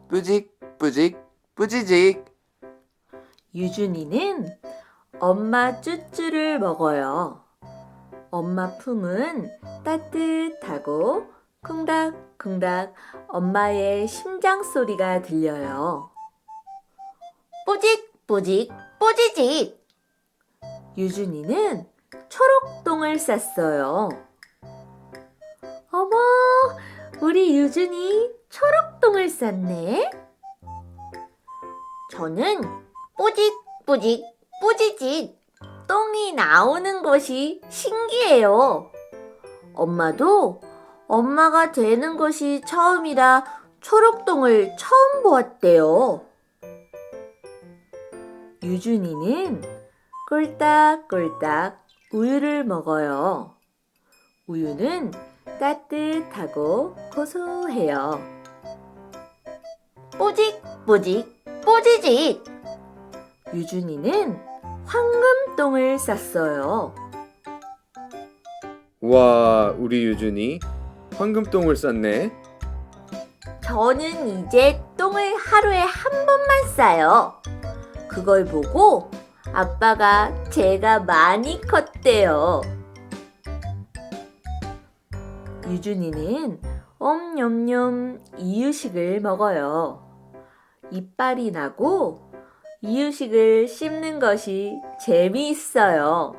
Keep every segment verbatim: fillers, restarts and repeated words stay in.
뿌직 뿌직 뿌지직. 유준이는 엄마 쭈쭈를 먹어요. 엄마 품은 따뜻하고 쿵닥쿵닥 엄마의 심장 소리가 들려요. 뿌직 뿌직 뿌지직. 유준이는 초록똥을 쌌어요. 어머, 우리 유준이 초록똥을 쌌네. 저는 뿌직 뿌직 뿌지직 똥이 나오는 것이 신기해요. 엄마도 엄마가 되는 것이 처음이라 초록똥을 처음 보았대요. 유준이는 꿀딱꿀딱 우유를 먹어요. 우유는 따뜻하고 고소해요. 뿌직 뿌직 뿌지직. 유준이는 황금똥을 쌌어요. 와, 우리 유준이 황금똥을 쌌네. 저는 이제 똥을 하루에 한 번만 싸요. 그걸 보고 아빠가 제가 많이 컸대요. 유준이는 엄냠냠 이유식을 먹어요. 이빨이 나고 이유식을 씹는 것이 재미있어요.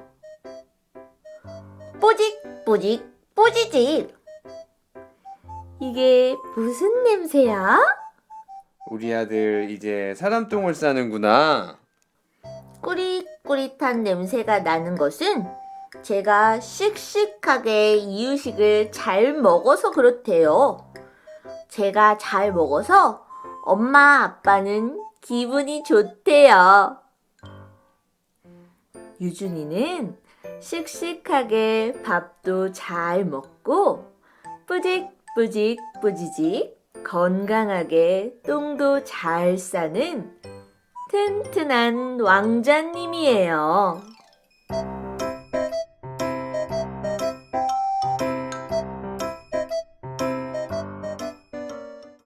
뿌직 뿌직 뿌지직. 이게 무슨 냄새야? 우리 아들 이제 사람 똥을 싸는구나. 꾸릿꾸릿한 냄새가 나는 것은 제가 씩씩하게 이유식을 잘 먹어서 그렇대요. 제가 잘 먹어서 엄마 아빠는 기분이 좋대요. 유준이는 씩씩하게 밥도 잘 먹고 뿌직뿌직 뿌지직 건강하게 똥도 잘 싸는 튼튼한 왕자님이에요.